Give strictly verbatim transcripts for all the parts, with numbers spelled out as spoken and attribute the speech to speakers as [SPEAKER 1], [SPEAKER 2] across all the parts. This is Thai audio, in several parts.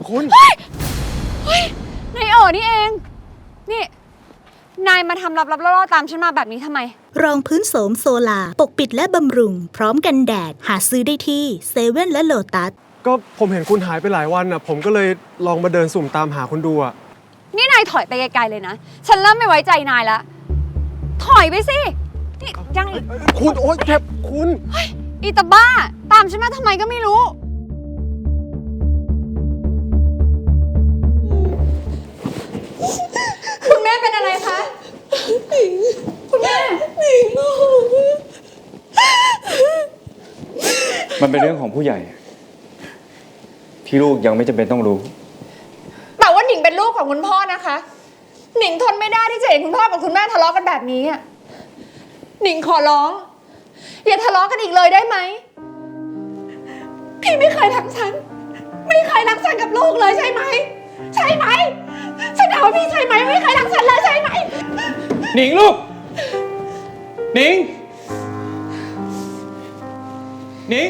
[SPEAKER 1] คุณ
[SPEAKER 2] เฮ้ยเฮ้ยนายเอ๋อนี่เองนี่นายมาทำลับๆล่อๆตามฉันมาแบบนี้ทำไม
[SPEAKER 3] รองพื้นโสมโซลาปกปิดและบำรุงพร้อมกันแดดหาซื้อได้ที่เซเว่นและโลตัส
[SPEAKER 1] ก็ผมเห็นคุณหายไปหลายวันอ่ะผมก็เลยลองมาเดินสุ่มตามหาคุณดูอ่ะ
[SPEAKER 2] นี่นายถอยไปไกลๆเลยนะฉันเริ่มไม่ไว้ใจนายแล้วถอยไปสินี่ยังอีก
[SPEAKER 1] คุณโอ๊ยเจ็บคุณ
[SPEAKER 2] เฮ้ยอีตาบ้าตามฉันมาทำไมก็ไม่รู้คุณแม่เป็นอะไรคะคุณแม่
[SPEAKER 4] มันเป็นเรื่องของผู้ใหญ่ที่ลูกยังไม่จำเป็นต้องรู้
[SPEAKER 2] แต่ว่าหนิงเป็นลูกของคุณพ่อนะคะหนิงทนไม่ได้ที่จะเห็นคุณพ่อกับคุณแม่ทะเลาะกันแบบนี้อ่ะหนิงขอร้องอย่าทะเลาะกันอีกเลยได้ไหมพี่ไม่เคยรักฉันไม่เคยรักฉันกับลูกเลยใช่ไหมใช่ไหมฉันถามว่าพี่ใช่ไหมไม่เคยรักฉันเลยใช่ไหม
[SPEAKER 4] หนิงลูกหนิงหนิง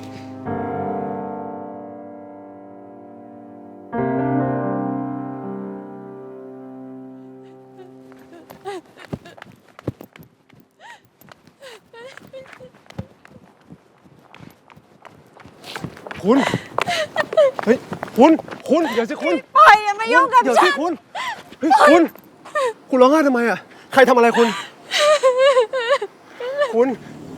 [SPEAKER 1] คุณเฮ้ยคุณคุณเดี๋ยวสิคุณ
[SPEAKER 2] ปล่อยอย่ามายุ่งกับฉัน
[SPEAKER 1] เดี๋ยวสิคุณเฮ้ยคุณคุณร้องไห้ทำไมอ่ะใครทำอะไรคุณคุณ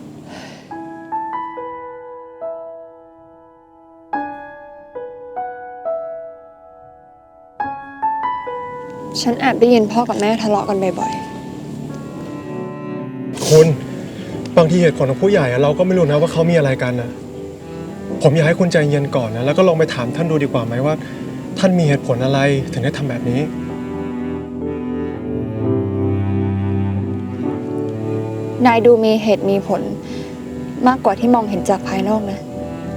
[SPEAKER 2] ฉันแอบได้ยินพ่อกับแม่ทะเลาะกันบ่อย
[SPEAKER 1] ๆคุณบางทีเหตุผลของผู้ใหญ่เราก็ไม่รู้นะว่าเขามีอะไรกันนะผมอยากให้คุณใจเย็นก่อนนะแล้วก็ลองไปถามท่านดูดีกว่าไหมว่าท่านมีเหตุผลอะไรถึงได้ทำแบบนี้
[SPEAKER 2] นายดูมีเหตุมีผลมากกว่าที่มองเห็นจากภายนอกนะ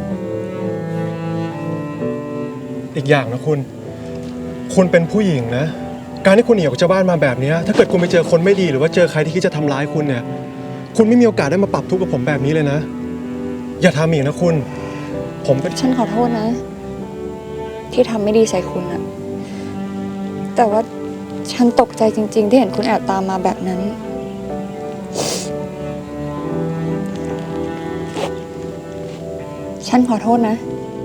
[SPEAKER 1] อีกอย่างนะคุณคุณเป็นผู้หญิงนะการที่คุณหนีออกจากบ้านมาแบบนี้ถ้าเกิดคุณไปเจอคนไม่ดีหรือว่าเจอใครที่คิดจะทำร้ายคุณเนี่ยคุณไม่มีโอกาสได้มาปรับทุกข์กับผมแบบนี้เลยนะอย่าทำอีกนะคุณผมเป็น
[SPEAKER 2] ฉันขอโทษนะที่ทำไม่ดีใส่คุณอะแต่ว่าฉันตกใจจริงๆที่เห็นคุณแอบตามมาแบบนั้นฉันขอโทษนะ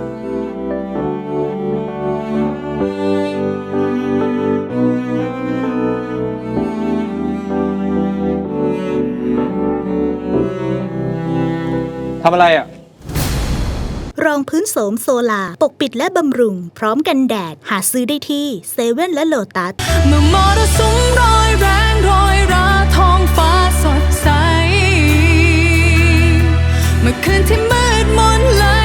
[SPEAKER 4] ทำอะไรอ่ะ
[SPEAKER 3] รองพื้นโสมโซลาปกปิดและบำรุงพร้อมกันแดดหาซื้อได้ที่เซเว่นและโลตัส
[SPEAKER 5] เมื่อมรสุมรอยแรงโรยราท้องฟ้าสดใสเมื่อคืนที่มืดมนและ